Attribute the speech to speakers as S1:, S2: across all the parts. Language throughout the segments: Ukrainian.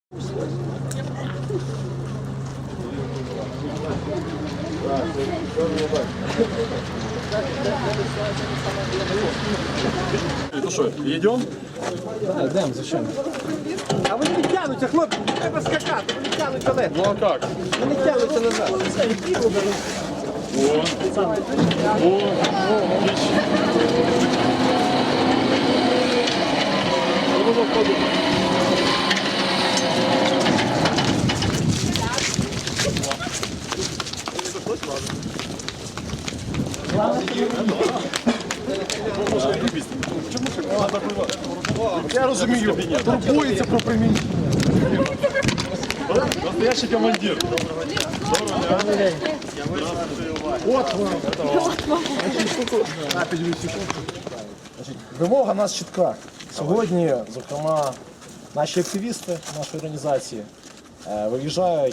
S1: Ну що, йдемо?
S2: Так, йдемо, зачем?
S3: А вони не тягнуться, хлопці, не треба скакати, вони тягнуть далеко.
S1: Ну а як?
S3: Вони тягнуться назад.
S1: О, отлично.
S2: Я розумію, турбується про приміщення.
S1: Настоящий командир.
S2: От вам. Вимога нас чітка. Сьогодні, зокрема, наші активісти нашої організації виїжджають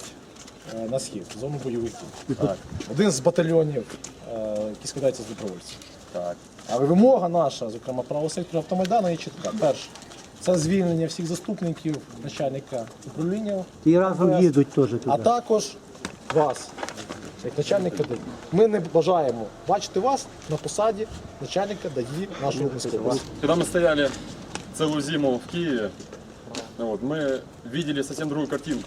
S2: на схід, в зону бойовиків. Так. Один з батальйонів, який складається з добровольців. Так. Але вимога наша, зокрема правого сектору Автомайдану, є чітка. Перше, це звільнення всіх заступників начальника управління.
S3: І разом їдуть теж туди.
S2: А також вас, як начальника ДАІ. Ми не бажаємо бачити вас на посаді начальника ДАІ нашого міста.
S1: Когда мы стояли целую зиму в Киеве, вот, мы видели совсем другую картинку.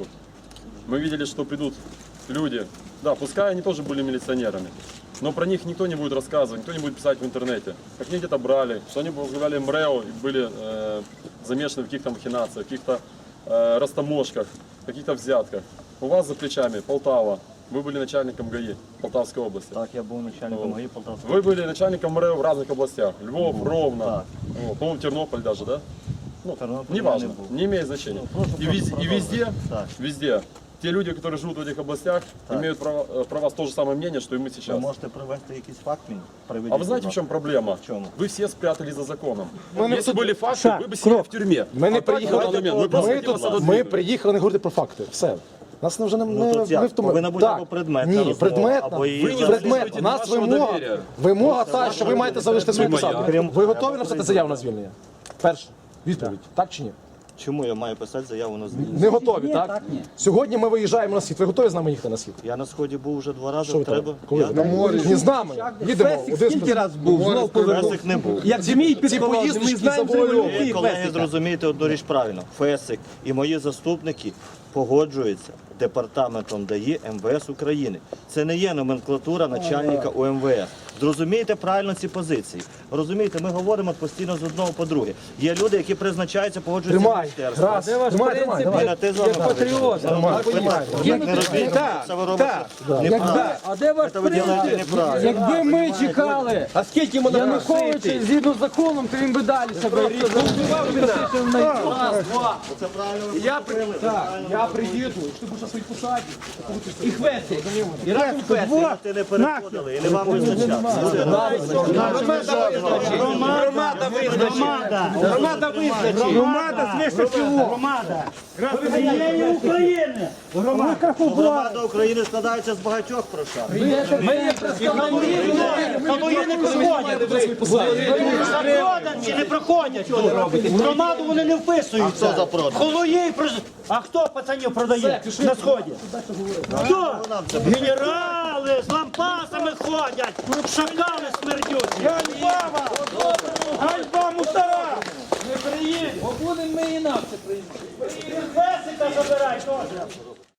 S1: Мы видели, что придут люди, да, пускай они тоже были милиционерами, но про них никто не будет рассказывать, никто не будет писать в интернете, как они где-то брали, что они возглавляли МРЭО и были замешаны в каких-то махинациях, в каких-то растаможках, в каких-то взятках. У вас за плечами Полтава, вы были начальником ГАИ Полтавской области.
S4: Так, я був начальником ГАИ Полтавської.
S1: Вы были начальником МРЭО в разных областях. Львов, Ровно, вот, по-моему, Тернополь даже, да? Ну,
S4: Тернополь
S1: неважно,
S4: я не был.
S1: не имеет значения.
S4: просто
S1: И везде,
S4: Так.
S1: везде, те люди, которые живут в этих областях, имеют про вас то же самое мнение, что и мы
S4: Ви
S1: сейчас.
S4: можете привести якийсь факт мені? Приведіть,
S1: А вы знаете, в
S4: будь
S1: чем проблема?
S4: В чому?
S1: Вы все спрятались за законом.
S2: не
S1: Если
S2: тут-
S1: были факты, вы бы сидели в тюрьме.
S2: Ми не
S1: А так, в
S2: приїхали,
S1: данный момент, мы просто
S2: ми,
S1: хотим вас
S2: тут, ми
S1: отодвинуть.
S2: приїхали не говорити про факти. Все. Нас вже не
S4: Ну, тут як?
S2: ми втомили.
S4: Повинна бути
S2: Так.
S4: або предметна
S2: Ні,
S4: розмова,
S2: предметна.
S4: або її
S1: Ви не
S2: Предметна.
S1: заслужуєте
S2: У нас
S1: нашого
S2: вимога,
S1: довір'я.
S2: вимога та, що ви маєте залишити свою посаду.
S4: Крім-
S2: Ви готові написати заяву на звільнення? Перше. Відповідь. Так чи ні?
S4: Чому я маю писати заяву на звільнення?
S2: Не готові, так? Сьогодні ми виїжджаємо на схід. Ви готові з нами їхати на схід?
S4: Я на сході був вже 2 рази,
S2: Що ви
S4: треба.
S2: там? Коли?
S4: Я
S2: Не з нами. Їдемо. Один
S3: Скільки раз був, знов повернув.
S4: Фесик не був.
S3: Як змій підположив, ми
S2: поїздочки
S3: знаємо
S2: завойовують.
S4: Ви,
S3: землю
S4: колеги, зрозумієте одну річ правильно. Фесик і мої заступники погоджуються департаментом ДАІ МВС України. Це не є номенклатура начальника УМВС. Зрозумійте правильно ці позиції. Розумієте, ми говоримо постійно з одного по друге. Є люди, які призначаються, погоджуються в
S2: Тримай.
S4: міністерство.
S2: Раз. Тримай.
S4: Ніна, ти з вами
S3: патріот.
S4: Так не робіть. Це ви робите неправильно.
S3: А де ваш
S4: Це ви робите неправильно.
S3: Якби ми чекали,
S2: А скільки ми
S3: Януковича згідно з законом, то він би далі себе розбивав.
S4: Це правильно ви
S2: Я приїду, якщо ти будеш на своїй посаді.
S3: І хвесик. І разом хвесик.
S4: ти не переходили і не вам визначати.
S3: Громада визначить. Громада свише всього. Громада. України.
S4: Громада України складається з багатьох прошар.
S3: Ми є представники.
S5: Воєнні проходять чи не проходять тут? В громаду вони не вписуються.
S4: Хто за продаж?
S5: Холої, а хто пацанів продає на сході? Хто? Генерали з лампасами ходять, шакали смердючі. Ганьба вам! Ганьба мусора!
S3: Бо будемо ми інакше приїхати.
S5: Песика забирай теж.